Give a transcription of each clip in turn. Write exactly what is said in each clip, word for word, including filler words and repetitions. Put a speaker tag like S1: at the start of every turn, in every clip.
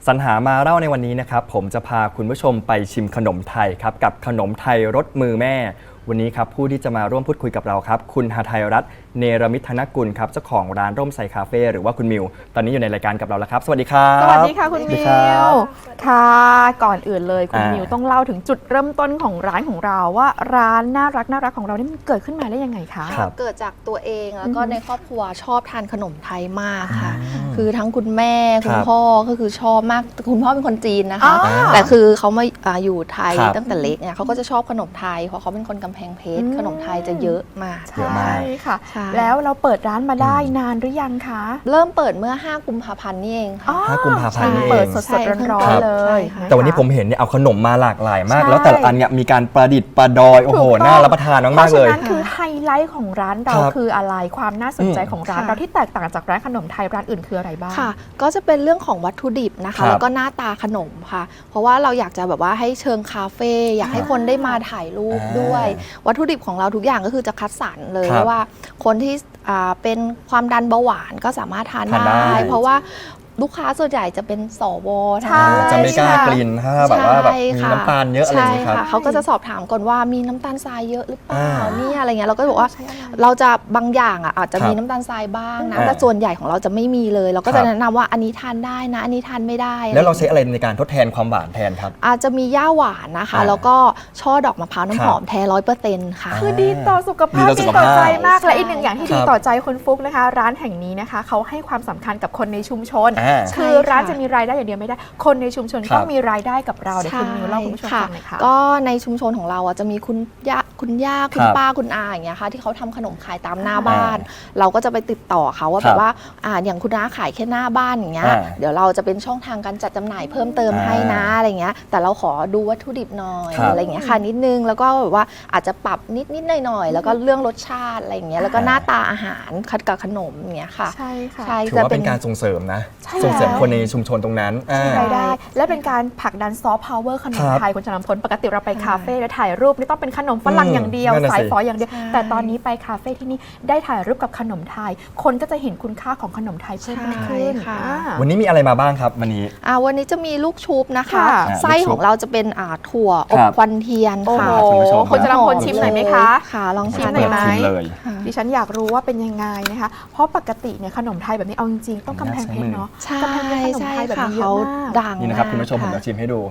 S1: สรรหามาเล่าในวันนี้นะครับผมจะพาคุณผู้ชมไปชิมขนมไทยครับกับขนมไทยรสมือแม่วันนี้ครับผู้ที่จะมาร่วมพูดคุยกับเราครับคุณหทัยรัตน์เนรมิตธนกุลครับเจ้าของร้านร่มไทรคาเฟ่หรือว่าคุณมิวตอนนี้อยู่ในรายการกับเราแล้วครับสวัสดีครับ
S2: สวัสดีค่ะคุณมิวค่ะก่อนอื่นเลยคุณมิวต้องเล่าถึงจุดเริ่มต้นของร้านของเราว่าร้านน่ารักน่ารักของเรานี่มันเกิดขึ้นมาได้ยังไงคะ
S3: เกิดจากตัวเองแล้วก็ในครอบครัวชอบทานขนมไทยมากค่ะคือทั้งคุณแม่คุณพ่อก็คือชอบมากคุณพ่อเป็นคนจีนนะคะแต่คือเขามาอยู่ไทยตั้งแต่เล็กเนี่ยเขาก็จะชอบขนมไทยเพราะเขาเป็นคนกำแพงเพชรขนมไทยจะเยอะมาก
S2: ใช่ค่ะแล้วเราเปิดร้านมาได้นานหรือยังคะ
S3: เริ่มเปิดเมื่อห้ากุมภาพันธ์นี่เองค่ะ
S1: ห้ากุมภาพันธ์นี่เอง
S2: เปิดสดๆร้อนๆเลย
S1: แต่วันนี้ผมเห็นเนี่ยเอาขนมมาหลากหลายมากแล้วแต่ละอันเนี่ยมีการประดิษฐ์ประดอยโอ้โหน่ารับประทานมากๆเลย
S2: เพราะฉะนั้นคือไฮไลท์ของร้านเราคืออะไรความน่าสนใจของร้านเราที่แตกต่างจากร้านขนมไทยร้านอื่นคืออะไรบ้าง
S3: ค่ะก็จะเป็นเรื่องของวัตถุดิบนะคะแล้วก็หน้าตาขนมค่ะเพราะว่าเราอยากจะแบบว่าให้เชิงคาเฟ่อยากให้คนได้มาถ่ายรูปด้วยวัตถุดิบของเราทุกอย่างก็คือจะคัดสรรเลยว่าคนที่เป็นความดันเบาหวานก็สามารถทานได้เพราะว่าลูกค้าส่วนใหญ่จะเป็นสว
S1: จะไม่กล้ากลิ่นถ้าแบบว่าแบบมีน้ำตาลเยอะอะไรอย่างนี้ครับ
S3: เขาก็จะสอบถามก่อนว่ามีน้ำตาลทรายเยอะหรือเปล่านี่อะไรเงี้ยเราก็บอกว่าเราจะบางอย่างอ่ะอาจจะมีน้ำตาลทรายบ้างนะแต่ส่วนใหญ่ของเราจะไม่มีเลยเราก็จะแนะนำว่าอันนี้ทานได้นะอันนี้ทานไม่ได้
S1: แล้วเราใช้อะไรในการทดแทนความหวานแทนครับ
S3: อาจจะมีย่าหวานนะคะแล้วก็ช่อดอกมะพร้าวน้ำหอมแท้ร้อยเปอร์เซ็นต์ค่ะ
S2: คือดีต่อสุขภาพดีต่อใจมากและอีกหนึ่งอย่างที่ดีต่อใจคุณฟุ๊กนะคะร้านแห่งนี้นะคะเขาให้ความสำคัญกับคนในชุมชนคือร้านจะมีรายได้อย่างเดียวไม่ได้คนในชุมชนก็มีรายได้กับเราเดี๋ยวคุณมิวเล่าคุณผู้ชมฟังหน่อยค่ะ
S3: ก็ในชุมชนของเราจะมีคุณย่าคุณย่าคุณป้าคุณอาอย่างเงี้ยค่ะที่เขาทำขนมขายตามหน้าบ้านเราก็จะไปติดต่อเขาว่าแบบว่าอ่าอย่างคุณน้าขายแค่หน้าบ้านอย่างเงี้ยเดี๋ยวเราจะเป็นช่องทางการจัดจำหน่ายเพิ่มเติมให้นะอะไรเงี้ยแต่เราขอดูวัตถุดิบหน่อยอะไรเงี้ยค่ะนิดนึงแล้วก็แบบว่าอาจจะปรับนิดนิดหน่อยหน่อยแล้วก็เรื่องรสชาติอะไรเงี้ยแล้วก็หน้าตาอาหารคัดกับขนมอย่างเงี้ยค่ะ
S2: ใช่ค่ะ
S1: ถือว่าเป็นการส่งเสริมนะส่งเสริมคนในชุมชนตรงนั้น
S2: รายได้และเป็นการผลักดันซอฟต์พาวเวอร์ขนมไทยคุณชนำพลปกติเราไปคาเฟ่แล้วถ่ายรูปนี่ต้องเป็นขนมฝรั่งอย่างเดียวสายฝออย่างเดียวแต่ตอนนี้ไปคาเฟ่ที่นี่ได้ถ่ายรูปกับขนมไทยคนก็จะเห็นคุณค่าของขนมไทยเพิ่มขึ้น
S1: วันนี้มีอะไรมาบ้างครับวันนี้
S3: วันนี้จะมีลูกชุบนะคะไส้ของเราจะเป็นถั่วอบควันเทียนค่ะ
S2: คุณชนำพลชิมหน่อยไหมคะ
S3: ค่ะลองชิ
S2: มหน่อยไหมดิฉันอยากรู้ว่าเป็นยังไงนะคะเพราะปกติเนี่ยขนมไทยแบบนี้เอาจริงๆต้องกำแพงเพชรเนาะ
S3: กำแพงเพชรขนมไทยแบบนี้เยอะมาก
S1: ดังนี่นะครับคุณผู้ชมผมจะชิมให้ดู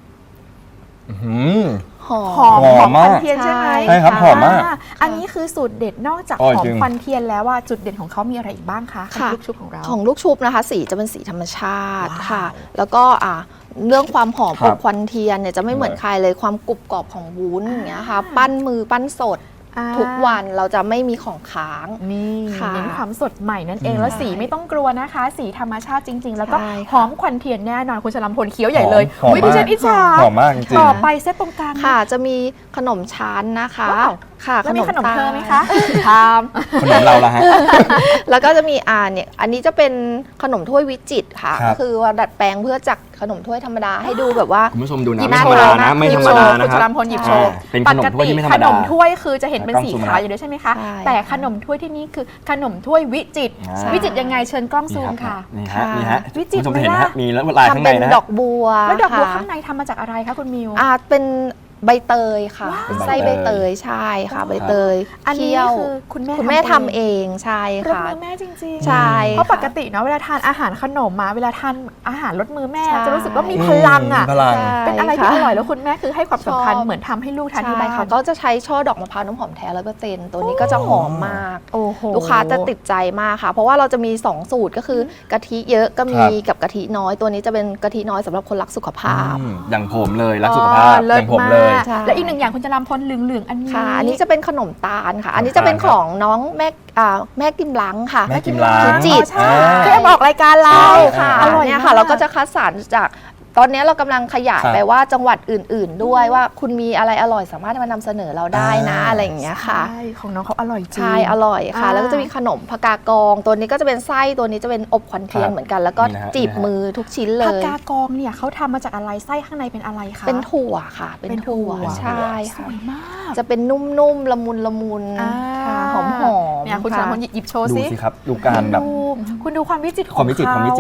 S2: หอมหอมหอมควันเทียนใช่ไหม
S1: ใช่ครับหอมมาก
S2: อันนี้คือสูตรเด็ดนอกจากหอมควันเทียนแล้วว่าจุดเด่นของเขามีอะไรอีกบ้างคะของลูกชุบของเรา
S3: ของลูกชุบนะคะสีจะเป็นสีธรรมชาติค่ะแล้วก็อ่าเรื่องความหอมอบควันเทียนเนี่ยจะไม่เหมือนใครเลยความกรุบกรอบของวุ้นอย่างเงี้ยค่ะปั้นมือปั้นสดทุกวันเราจะไม่มีของค้าง
S2: นี่เน้นความสดใหม่นั่นเองแล้วสีไม่ต้องกลัวนะคะสีธรรมชาติจริงๆแล้วก็หอมควันเทียนแน่นอนคุณชลพลเคี้ยวใหญ่เลยวิดิฉันอิจฉา
S1: หอมมากจริง
S2: ต่อไปเซตตรงกลาง
S3: ค่ะจะมีขนมชั้นนะคะ
S2: ค่ะแล้วมีขนมเธอไหมคะท
S1: ำขนมเราละฮะ
S3: แล้วก็จะมีอ่าเนี่ยอันนี้จะเป็นขนมถ้วยวิจิตรค่ะก็คือว่าดัดแปลงเพื่อจากขนมถ้วยธรรมดาให้ดูแบบว่า
S1: คุณผู้ชมดูนะไม่ธรรมดานะไม่ธรรมดานะ
S2: คุณชลพลหยิบโชว์
S1: เป็นขนมถ้วยที่ไม่ธรรมดา
S2: ขนมถ้วยคือจะเห็นเป็นสีขาวอยู่ด้วยใช่ไหมคะแต่ขนมถ้วยที่นี่คือขนมถ้วยวิจิตรวิจิตรยังไงเชิญกล้องซูมค่ะ
S1: นี่ฮะนี่ฮะ
S2: วิจิตร
S1: เห็นไหมมีลายข้างในนะ
S3: ดอกบัว
S2: แล้วดอกบัวข้างในทำมาจากอะไรคะคุณมิว
S3: อ่าเป็นใบเตยค่ะไส้ใบเตยใช่ค่ะใบเตย
S2: อันนี้คือคุณแม่
S3: คุณแม่ทำเองใช่ค่ะ
S2: รสมือแม่จริง
S3: ๆใช่
S2: เพราะปกติเนาะเวลาทานอาหารขนมมาเวลาทานอาหารรสมือแม่จะรู้สึกว่ามีพลังอ่ะเป็นอะไรที่อร่อยแล้วคุณแม่คือให้ความสำคัญเหมือนทำให้ลูกทานที่บ้าน
S3: ค่ะก็จะใช้ช่อดอกมะพร้าวน้ำหอมแท้ร้อยเปอร์เซ็นต์ตัวนี้ก็จะหอมมากลูกค้าจะติดใจมากค่ะเพราะว่าเราจะมีสองสูตรก็คือกะทิเยอะก็มีกับกะทิน้อยตัวนี้จะเป็นกะทิน้อยสำหรับคนรักสุขภาพ
S1: อย่างผมเลยรักสุขภาพอย่างผมเลย
S2: และอีกหนึ่งอย่างคุณจะรำพลเหลืองๆอันนี้
S3: ค่ะอันนี้จะเป็นขนมตาลค่ะอันนี้จะเป็นของน้องแม่แม่กิมล้างค่ะ
S1: แม่กิมล้าง
S3: จิต
S2: ที่ออกรายการเรา
S3: ค่ะอร่อยเนี่ยค่ะเราก็จะคัดสรรจากตอนนี้เรากำลังขยายไปว่าจังหวัดอื่นๆด้วยว่าคุณมีอะไรอร่อยสามารถมานำเสนอเราได้นะอะไรอย่างเงี้ยค่ะ
S2: ใช่ของน้องเขาอร่อยจริง
S3: ใช่อร่อยค่ะแล้วก็จะมีขนมผักกากองตัวนี้ก็จะเป็นไส้ตัวนี้จะเป็นอบควันเทียนเหมือนกันแล้วก็จีบมือทุกชิ้นเลย
S2: ผักกากองเนี่ยเขาทำมาจากอะไรไส้ข้างในเป็นอะไรคะ
S3: เป็นถั่วค่ะเป็นถั่วใช่
S2: สวยมาก
S3: จะเป็นนุ่มๆละมุนละมุนหอมๆ
S2: เนี่ยคุณชลพลหยิบโชว์
S1: ดูสิครับดูการแบบ
S2: คุณดูความวิจิตรของ
S1: ความวิจิตรความวิจิตร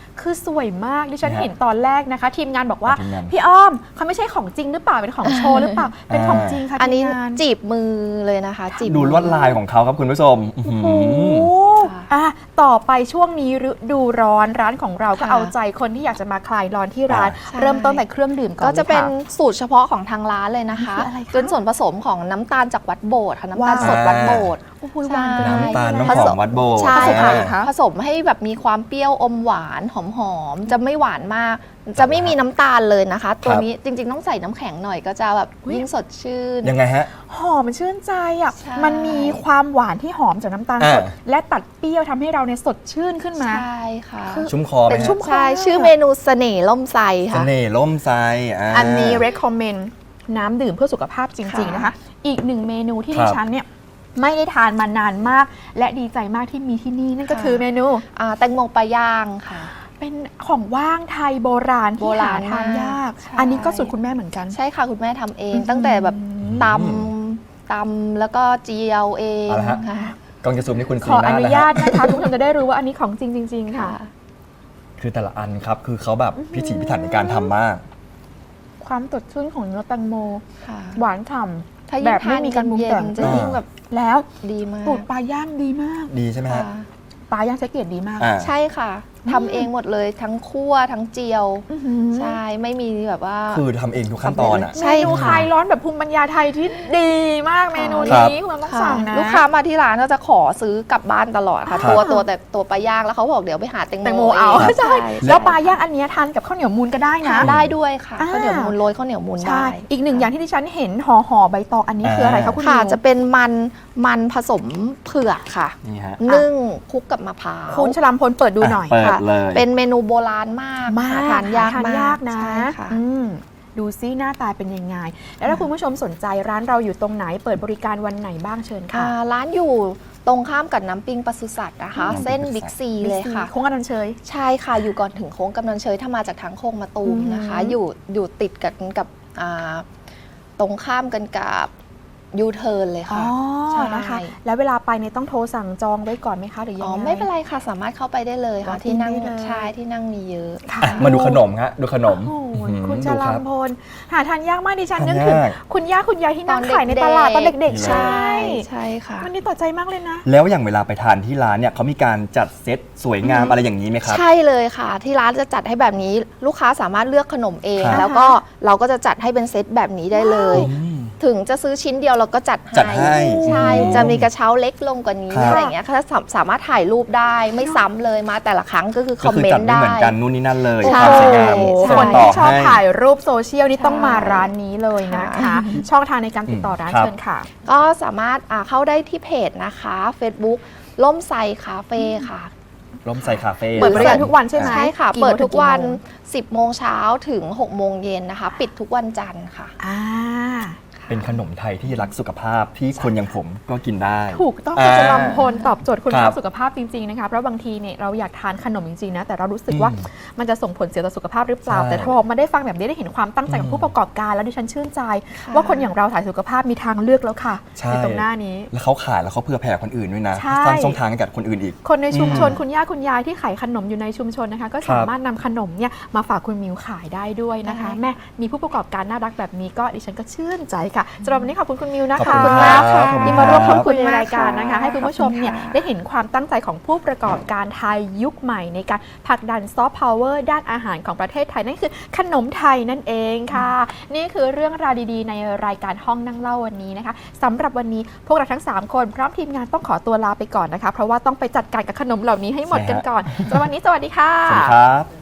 S2: คือสวยมากดิฉัน
S1: นะฮะ
S2: เห็นตอนแรกนะคะ ทีมงานบอกว่า
S1: ทีมงาน
S2: พี่อ้อมเขาไม่ใช่ของจริงหรือเปล่าเป็นของโชว์หรือเปล่าเป็นของจริงค่ะ
S3: อันนี้
S2: ทีมงาน
S3: จีบมือเลยนะคะจีบ
S1: ดูลวดลายของเขาครับคุณผู้ชมอื้อหือ
S2: โอ้โหอ่ะต่อไปช่วงนี้ฤดูร้อนร้านของเราก็
S3: ค่ะ
S2: เอาใจคนที่อยากจะมาคลายร้อนที่ร้าน
S3: ใช่
S2: เริ่มต้นแต่เครื่องดื่มก่อน
S3: ก็จะเป็น
S2: ลยค่
S3: สูตรเฉพาะของทางร้านเลยนะคะ
S2: คืออะไรคะ
S3: เป็นส่วนผสมของน้ำตาลจากวัดโบสถ์ค่ะน้ำตาล
S2: ว้าว
S3: สดวัดโบสถ์
S2: โอ้โหหวาน
S3: ใช่
S1: น้ำตาลน้ำ
S3: ผ
S1: ห
S3: ส
S1: อ
S3: ม
S1: มวัดโบสถ์
S3: ใช่
S2: ผสมอะไร
S3: ค่ะ
S2: คะ
S3: ผสมให้แบบมีความเปรี้ยวอมหวานหอมๆจะไม่หวานมาก จะไม่มีน้ำตาลเลยนะคะ ตัวนี้จริงๆต้องใส่น้ำแข็งหน่อยก็จะแบบยิ่งสดชื่น
S1: ยังไงฮะ
S2: หอมมันชื่นใจอ่ะ
S3: ใช่
S2: มันมีความหวานที่หอมจากน้ำตาลสด
S1: อ่า
S2: และตัดเปรี้ยวทำให้เราเนี่ยสดชื่นขึ้นมา
S3: ใช่ค่ะ
S2: คือ
S1: ชุ่มคอไหม
S3: เป็น
S1: ฮะ
S3: ชุ่มใช่ชื่อเมนูเสน่ห์ล่มไทร
S1: เส
S3: ค่ะ
S1: น่ห์ล่มไทรอ่า
S2: อันนี้ recommend น้ำดื่มเพื่อสุขภาพจริง ๆ นะคะ อีกหนึ่งเมนูที่
S1: ครั
S2: ดิ
S1: บ
S2: ฉันเนี่ยไม่ได้ทานมานานมาก และดีใจมากที่มีที่นี่นั่นก็
S3: ค่ะ
S2: คือเมนู
S3: อ่าแตงโมปลาย่างค่ะ
S2: เป็นของว่างไทยโบราณ
S3: โบ
S2: ที่
S3: รา
S2: หา
S3: ณ
S2: ทานยาก
S3: ใช่
S2: อันนี้ก็สูตรคุณแม่เหมือนกัน
S3: ใช่ค่ะคุณแม่ทำเอง
S2: อืม
S3: ตั้งแต่แบบตำตำแล้วก็เจียวเอง
S1: เอาละฮะ
S3: ค่ะ
S1: กองจะซูมนี่คุณ
S2: ข
S1: ซี
S2: อ
S1: น่า
S2: อนุ
S1: นะ
S2: ญา
S1: ฮะ
S2: ตนะคะ ทุกคนจะได้รู้ว่าอันนี้ของจริงจริง ๆ ค่ะ
S3: ค่ะ
S1: คือแต่ละอันครับ คือเขาแบบพิถีพิถันในการทำมาก
S2: ความสดชื่นของเนื้อแตงโม
S3: ค่ะ
S2: หวานฉ่
S3: ถ้า
S2: ำ
S3: ยิ่
S2: แบ
S3: ง
S2: บไม่
S3: ทาน
S2: มีการปรุง
S3: เย็
S2: แต่
S3: น
S2: ง
S3: ๆจะยิ่งแบบ
S2: แล้ว
S3: ดีมาก
S2: ตูดปลาย่างดีมาก
S1: ดีใช่ไหมฮะ
S3: ค่ะ
S2: ปลาย่างใช้เกรดดีมาก
S1: อ่า
S3: ใช่ค่ะทำเองหมดเลยทั้งคั่วทั้งเจียว
S2: อื้อหือ
S3: ใช่ไม่มีแบบว่า
S1: คือทำเองทุกขั้นตอนอ่ะ
S3: ใช่
S2: เมนู
S3: ค่ะ
S2: คลายร้อนแบบภูมิปัญญาไทยที่ดีมากเมนู
S1: ครับ
S2: นี้คุณต้อง
S3: ค่ะ
S2: สั่งนะ
S3: ลูกค้ามาที่ร้านก็จะขอซื้อกลับบ้านตลอดค่ะ
S1: ครับ
S3: ตัวตัวแต่ตัวปลาย่างแล้วเขาบอกเดี๋ยวไปหาแตงโม
S2: แตงโมเอา
S3: ง
S2: ใช่แล้วปลาย่างอันเนี้ยทานกับข้าวเหนียวมูนก็ได้นะ
S3: ทานได้ด้วยค่ะ
S2: อ่า
S3: ข้าวเหนียวมูนโรยข้าวเหนียวมูน
S2: ใช่
S3: ได้
S2: อีกหนึ่งอย่างที่ดิฉันเห็นห่อห่อใบตองอันนี้คืออะไรคะคุณ
S3: ค่ะ
S2: นิว
S3: จะเป็นมันมันผสมเผือกค่ะ
S1: นี่ฮะ
S3: นึ่งคลุกกับมะพร้าว
S2: คุณชลัมพลเปิดดูหน่อย
S1: เปิด
S3: ค่ะ
S1: เลย
S3: เป็นเมนูโบราณมาก
S2: มาก
S3: หทานยาก
S2: ทาน
S3: มาก
S2: ยากนะ
S3: ใช่ค่ะ
S2: อืมดูซิหน้าตาเป็นยังไง แล้วถ้าคุณผู้ชมสนใจร้านเราอยู่ตรงไหนเปิดบริการวันไหนบ้างเชิญค่ะ
S3: อ่าร้านอยู่ตรงข้ามกับน้ำปิงปศุสัตว์นะคะ
S1: อืม
S3: เส้นบิ๊กซีเลยค่ะ
S2: โค้งอนันต์เชย
S3: ใช่ค่ะ อยู่ก่อนถึงโค้งกำนันเชยถ้ามาจากทางโค้งมาตูมนะคะ
S2: อือหือ
S3: อยู่อยู่ติดกันกับอ่าตรงข้ามกันกับยูเทิร์นเลย
S2: อ๋อ
S3: ค่ะ ใช่
S2: นะคะ แล้วเวลาไปเนี่ยต้องโทรสั่งจองไว้ก่อนไหมคะหรือยัง
S3: อ๋อ
S2: ไง
S3: ไม่เป็นไรค่ะ สามารถเข้าไปได้เลยค่ะ
S2: อ๋อ
S3: ที่นั่ง
S2: ได้เลย
S3: ใช่ที่นั่งมีเยอะ
S2: ค่ะ
S1: อ่ะมาดูขนมฮะดูขนม
S2: โอ้โห
S1: อื้อหือ
S2: คุณช
S1: ดู
S2: ลั
S1: รั
S2: ม
S1: บ
S2: พลหาทานยากมากดิฉัน
S1: ทาน
S2: นึกถึง
S1: ยาก
S2: คุณย่าคุณยายที่นั่ง
S3: ตอน
S2: ขายใน
S3: เด็กๆ
S2: ตลาดตอนเด็กๆ
S3: ใช่
S2: ใช่
S3: ใช่ค่ะ
S2: มันนี่ต่อใจมากเลยนะ
S1: แล้วอย่างเวลาไปทานที่ร้านเนี่ยเขามีการจัดเซตสวยงามอะไรอย่างนี้ไหมครับ
S3: ใช่เลยค่ะ ที่ร้านจะจัดให้แบบนี้ลูกค้าสามารถเลือกขนมเอง
S1: ครับ
S3: แล้วก็เราก็จะจัดให้เป็นเซตแบบนี้ได้เลย
S1: อืม
S3: ถึงจะซื้อชิ้นเดียวเราก็จัด
S1: จัดให้
S3: ใช่
S1: อืม
S3: จะมีกระเช้าเล็กลงกว่านี้
S1: ครับ
S3: อะไรอย่างเงี้ยค่ะสาสามารถถ่ายรูปได้ไม่ซ้ำเลยมาแต่ละครั้งก็คือค
S1: ก็
S3: อม
S1: คือ
S3: เมน
S1: จัด
S3: ต์
S1: ไม่
S3: ได้
S1: เหมือนกันนู่นนี่นั่นเลย
S3: ใช่
S1: ความสวยงาม
S2: โอ้โห
S1: ส่
S2: ค
S1: ง
S2: น
S1: ต่อ
S2: ที่ชอบ
S1: ให้
S2: ถ่ายรูปโซเชียลนี่ต้องมา
S3: ใช่
S2: ร้านนี้เลยนะคะ ช่องทางในการติดต่อร้าน
S1: ครับ
S2: เชิญค่ะ
S3: ก็สามารถอ่าเข้าได้ที่เพจนะคะ Facebook ล่มไซคาเฟ่ค่ะ
S1: ร่มไซคาเฟ่
S2: เปิดบริการทุกวันใช่ไหม
S3: ใช่ค่ะ
S2: กี่โมง
S3: เปิดทุกวัน
S2: ถึงกี่โมง
S3: สิบโมงเช้าถึงหกโมงเย็นนะคะ ปิดทุกวันจันทร์ค่ะ
S2: อ่า
S1: เป็นขนมไทยที่รักสุขภาพที่คนอย่างผมก็กินได้
S2: ถูกต้อง
S1: อ่า
S2: คุณจะลำพลตอบโจทย์คุณ
S1: ครั
S2: ภา
S1: บ
S2: พสุขภาพจริงๆนะคะเพราะบางทีเนี่ยเราอยากทานขนมจริงๆนะแต่เรารู้สึกว่า
S1: อืม
S2: มันจะส่งผลเสียต่อสุขภาพหรือเปล่า
S1: ใช่
S2: แต่พอมาได้ฟังแบบนี้ได้เห็นความตั้งใจของผู้ประกอบการแล้วดิฉันชื่นใจ ว่าคนอย่างเราถ่ายสุขภาพมีทางเลือกแล้วค่ะ
S1: ใช่
S2: ในตรงหน้านี้
S1: แล้วเขาขายแล้วเขาเผื่อแผ่คนอื่นด้วยนะ
S2: ใช่
S1: สร้างช่องทางให้กับคนอื่นอีก
S2: คนในชุมชน
S1: อืม
S2: คุณย่าคุณยายที่ขายขนมอยู่ในชุมชนนะคะ ก็สามารถนำขนมเนี่ยมาฝากคุณมิวขายได้ด้วยนะคะ
S3: ได้
S2: แม่มีผู้ประกอบการน่ารักแบบนี้ก็ดิฉันก็ชื่นใจค่ะสำหรับวันนี้ขอบคุณคุณมิวนะ
S1: ขอบ
S2: คะ
S1: คุณครับ
S3: ค่ะ
S1: ขอบคุณ
S2: ที่มาร่วมพูดคุย
S3: ขอบ
S2: ใน
S3: คุณมาก
S2: รายการนะคะ
S3: ค่ะ
S2: ให้คุณผู้ชมเนี่ย
S3: ขอบคุณค่ะ
S2: ได้เห็นความตั้งใจของผู้ประกอบการไทยยุคใหม่ในการผลักดันซอฟต์พาวเวอร์ด้านอาหารของประเทศไทยนั่นคือขนมไทยนั่นเองค่ะ นี่คือเรื่องราวดีๆ ในรายการห้องนั่งเล่าวันนี้นะคะสำหรับวันนี้พวกเราทั้งสามคนพร้อมทีมงานต้องขอตัวลาไปก่อนนะคะ เพราะว่าต้องไปจัดการกับขนมเหล่านี้ให้หมดกันก่อนสำหรับวันนี้สวัสดีค่ะ
S1: สวัสดีครับ